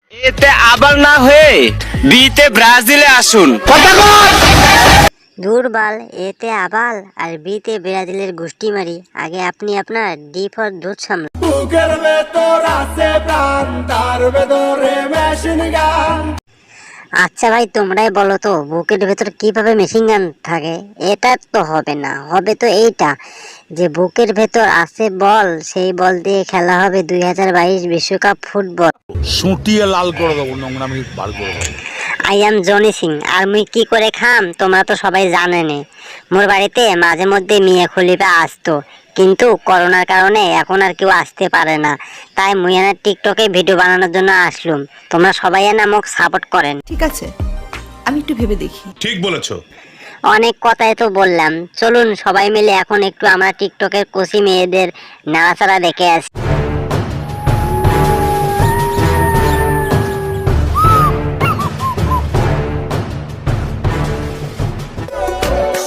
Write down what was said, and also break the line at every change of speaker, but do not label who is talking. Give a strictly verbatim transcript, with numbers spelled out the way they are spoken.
এতে আবার না হয়ে বিতে ব্রাজিলে আসুন।
দুর্বল এতে আবাল আর বিতে ব্রাজিলের গোষ্ঠী মারি। আগে আপনি আপনার ডি ফর দুধ সামলান।
বুকের ভেতর আছে প্রাণ, তার ভেতরে মেশিন গান।
আচ্ছা ভাই, তোমরাই বলো তো বুকের ভেতর কিভাবে মেশিন গান থাকে? এটা তো হবে না, হবে তো এইটা যে বুকের ভেতর আছে বল, সেই বল দিয়ে খেলা হবে দুই হাজার বাইশ বিশ্বকাপ ফুটবল।
সুটিয়ে লাল করে দেবো, নোংরামি বার করে দেবো।
আই এম জনি সিং, আর মুই কি করে খাম তোমরা তো সবাই জানেনে। মোর বাড়িতে মাঝে মধ্যে মিয়া খলিফা আসতো, কিন্তু করোনার কারণে এখন আর কেউ আসতে পারে না। তাই মুই এনে টিকটকে ভিডিও বানানোর জন্য আসলুম। তোমরা সবাই এনে মোক সাপোর্ট করেন।
ঠিক আছে, আমি একটু ভেবে দেখি।
ঠিক বলেছো।
অনেক কথাই তো বললাম, চলুন সবাই মিলে এখন একটু আমরা টিকটকের কচি মেয়েদের নাড়াচাড়া দেখে আসি।